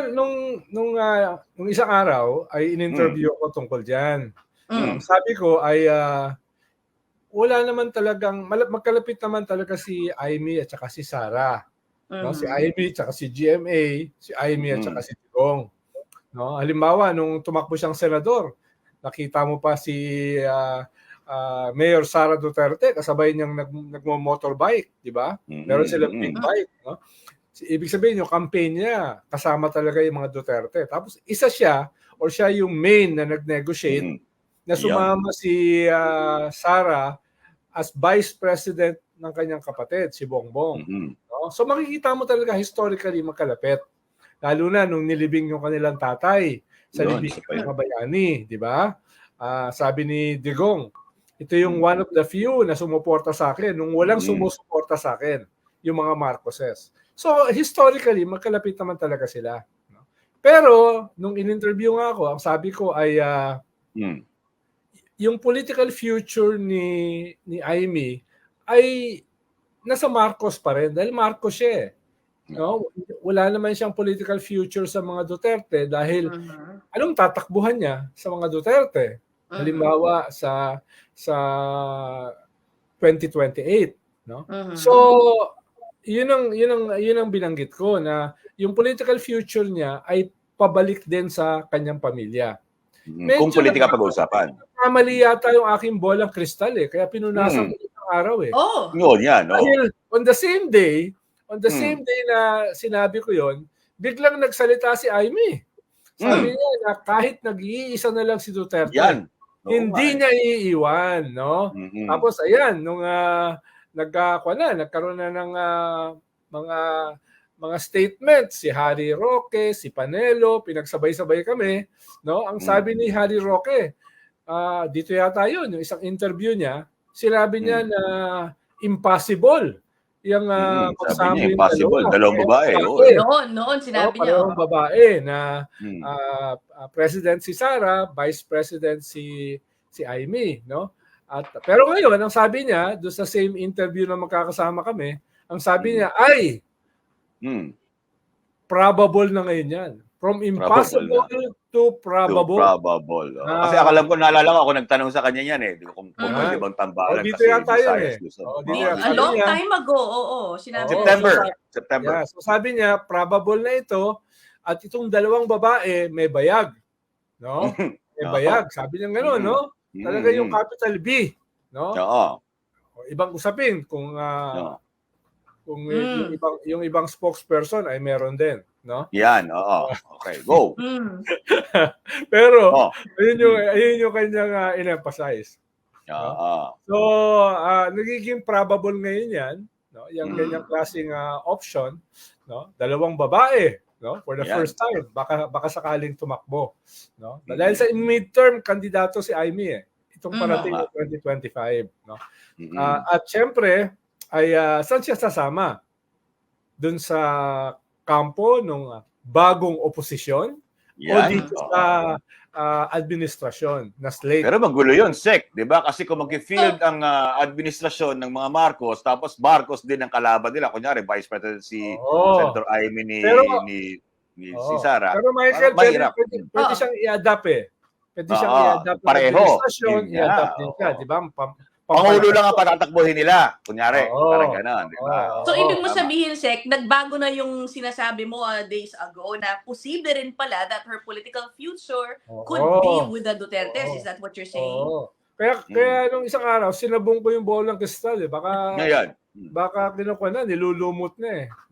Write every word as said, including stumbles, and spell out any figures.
nung nung, ah, nung isang araw ay Hmm. in-interview ako tungkol diyan. Hmm. Ang sabi ko ay, ah, wala naman talagang mala magkalapit naman talaga si Imee at saka si Sara, 'no? Si Mhm. Imee tsaka si G-M-A, si Imee at saka Mm. si Digong, 'no? Halimbawa nung tumakbo siyang senador, nakita mo pa si, ah, ah, Mayor Sara Duterte kasabay niyang nag nagmo-motorbike, 'di ba? Meron Mm, silang big mm. bike, 'no? Ibig sabihin yung campaign niya kasama talaga yung mga Duterte. Tapos isa siya or siya yung main na nag-negotiate Mm. na 'Yan. sumama si, ah, Sara as Vice President ng kanyang kapatid, si Bongbong, Mhm. 'no? So makikita mo talaga historically magkalapit. Lalo na nung nilibing yung kanilang tatay sa 'Yun, isa libingan pa ng 'yun. mga bayani, 'di ba? Ah, sabi ni Digong, "Ito yung Hmm. one of the few na sumuporta sa'kin nung walang Mm. sumusuporta sa'kin, yung mga Marcoses." So historically magkalapit naman talaga sila, 'no? Pero nung in-interview nga ako, ang sabi ko ay, ah Hmm. yung political future ni ni Imee ay nasa Marcos pa rin dahil Marcos siya, eh, Oo. 'no? Wala naman siyang political future sa mga Duterte dahil Mhm. anong tatakbuhan niya sa mga Duterte? Mhm. Halimbawa sa sa twenty twenty-eight, 'no? So, Mhm. yun ang yun ang yun ang binanggit ko na yung political future niya ay pabalik din sa kanyang pamilya. Mm, kung Medyo pulitika nagkaka pag-uusapan. nagkamali yata yung aking bolang kristal, eh, kaya pinunasan Mm. ko isang araw, eh. Oh. 'Yun, 'yan, oo. Dahil on the same day on the Hmm. same day na sinabi ko yun, biglang nagsalita si Imee. Sabi Hmm. niya na kahit nag-iisa na lang si Duterte, 'Yan, oo nga, hindi eh. niya iiwan, 'no? Mm. Tapos ayan nung, ah, nagka kuwan na, nagkaroon na ng, ah, mga mga statement si Harry Roque, si Panelo, pinagsabay-sabay kami, 'no? Ang Hmm. sabi ni Harry Roque, ah, dito yata yun, yung isang interview niya, sinabi niya Hmm. na impossible yang, ah, Mm, sabi magsama niya yung dalawa impossible, dalawang parehong babae, oo, babae. eh. Noon, noon 'No, sinabi niya, parehong oo. babae na, Hmm. ah, ah, President si Sara, Vice President si si Imee, 'no? At pero ngayon ang sabi niya dun sa same interview na magkakasama kami, ang sabi Mm. niya ay Hmm. probable na ngayon 'yan. From Probable na. impossible to To probable. probable, oo. Kasi Ah akala ko naalala ko ako nagtanong sa kanya niyan, eh, kung kung puwede Mhm. Yan. bang Oh, tambalan dito kasi yata yun, eh. Visayas, Luzon, Oo, dito Di oo, yan. a dito. Sabi long niya time ago, oo, sinabi Oo, niya so September, yun. sa September. yeah, so sabi niya probable na ito at itong dalawang babae may bayag, 'no? Mhm, May oo. bayag, sabi niyang gano'n, Mm. 'no? Mm, Talaga yung mm. capital B, 'no? Oo. Oh, ibang usapin kung, ah, Oo. kung yung Hmm. ibang yung ibang spokesperson ay meron din, 'no? 'Yan, oo. Okey, go. Hmm. Pero Oh, ayun yung hmm. ayun yung kanyang, ah, in-emphasize, 'no? Oo. So, ah, nagiging probable ngayon 'yan, 'no, yang ganyang Mm. klaseng, ah, option, 'no? Dalawang babae, 'no, for the 'Yan. first time baka baka sakaling tumakbo, 'no? Dahil Mm. sa midterm kandidato si Imee, eh, itong Oo parating Mhm. nga. na twenty twenty-five, 'no? Ah, Mm. at siyempre ay, ah, saan siya sasama? Dun sa kampo nung, ah, bagong oposisyon o 'Yan, dito Mhm. sa, oo. ah, administrasyon na slate? Pero magulo 'yun, Sek, 'di ba? Kasi kung Oh. magfi-field ang, ah, administrasyon ng mga Marcos tapos Marcos din ang kalaban nila, kunyari Vice President si Oo. Senator Imee ni Pero ni ni si oo. Sara, Pero parang Michael puwede mahirap. puwede Hmm. puwede Oo. siyang i-adapt, eh. Puwede siyang Oo, i-adapt ng pareho. administrasyon, 'Yun i-adapt nga, din siya, 'di oo. ba? Pam Pangulo pampalakas lang ang yun. patatakbuhin nila, kunyari, parang Oo. gano'n, 'di Oo, ba? So Oo, ibig oo. mo tama. sabihin, Sek, nagbago na yung sinasabi mo, ah, days ago na posible rin pala that her political future could be Oo. with the Dutertes. Oo. Is that what you're saying? Oo. Kaya Hmm. kaya nung isang araw sinabog ko yung bolang kristal, eh, baka Ngayon. Hmm. baka kinukuwan na, nilulumot na, eh.